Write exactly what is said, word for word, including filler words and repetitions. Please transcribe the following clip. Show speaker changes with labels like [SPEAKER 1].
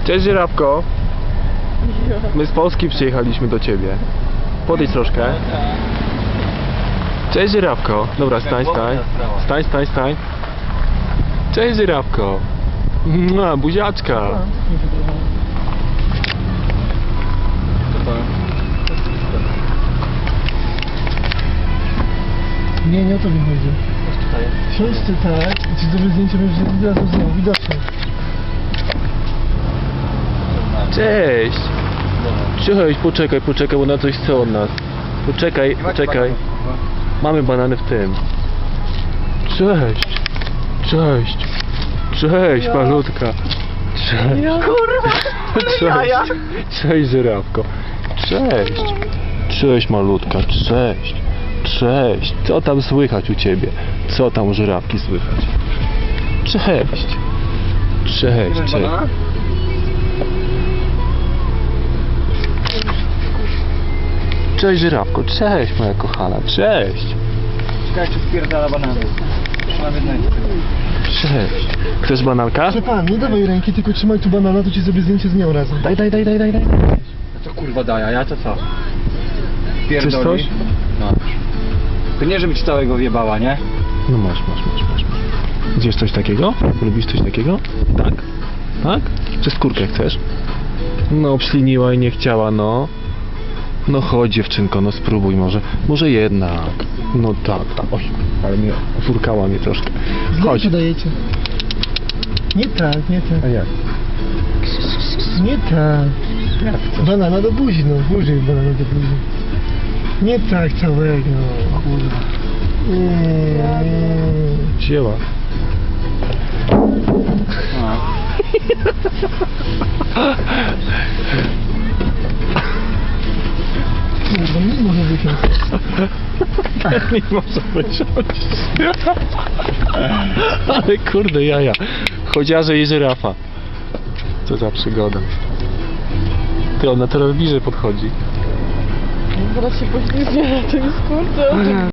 [SPEAKER 1] Cześć Żyrafko. My z Polski przyjechaliśmy do ciebie. Podejdź troszkę. Cześć Żyrafko. Dobra, stań, stań. Stań, stań, stań. Cześć Żyrafko. Mua, buziaczka.
[SPEAKER 2] Nie, nie o to mi chodzi. Siądź ty tak i ci zrobię zdjęcie, będziesz od razu znowu widoczny.
[SPEAKER 1] Cześć. Cześć, poczekaj, poczekaj, bo na coś chce od nas. Poczekaj, poczekaj. Mamy banany w tym. Cześć. Cześć. Cześć,
[SPEAKER 2] Ja.
[SPEAKER 1] malutka. Cześć.
[SPEAKER 2] Ja. Kurwa!
[SPEAKER 1] Cześć. Cześć, Żyrafko. Cześć. Cześć, malutka. Cześć. Cześć. Co tam słychać u ciebie? Co tam u Żyrafki słychać? Cześć. Cześć, cześć. Cześć Żyrafko, cześć moja kochana, cześć.
[SPEAKER 3] Czekaj, czy spierdala banany. Trzymam jednego.
[SPEAKER 1] Cześć. Chcesz bananka?
[SPEAKER 2] Proszę pan, nie dawaj ręki, tylko trzymaj tu banana, to ci zrobię zdjęcie z nią razem.
[SPEAKER 1] Daj, daj, daj, daj, daj, daj.
[SPEAKER 3] No co kurwa daje, a ja to co?
[SPEAKER 1] Chcesz coś?
[SPEAKER 3] No. To nie, żeby ci całego wjebała, nie?
[SPEAKER 1] No masz, masz, masz, masz. Gdzieś coś takiego? Lubisz coś takiego? Tak? Tak? Czy skórkę chcesz? No, obśliniła i nie chciała, no. No chodź dziewczynko, no spróbuj może. Może jednak. No tak, tak. Oj, ale mnie furkała mnie troszkę. Chodź.
[SPEAKER 2] Zdjęcie dajecie. Nie tak, nie tak.
[SPEAKER 1] A jak?
[SPEAKER 2] Nie tak.
[SPEAKER 1] Jak chcesz?
[SPEAKER 2] Banana do buzi, no. Buzi banana do buzi. Nie tak całego, kurwa. Nie.
[SPEAKER 1] Wzięła.
[SPEAKER 3] No.
[SPEAKER 2] Kurwa, nie może wysiąść.
[SPEAKER 1] Nie może wysiąść. Ale kurde jaja. Chodziarze i żyrafa. Co za przygoda. Ty, ona teraz bliżej podchodzi.
[SPEAKER 4] Zaraz się poślizgnie na tym skórce.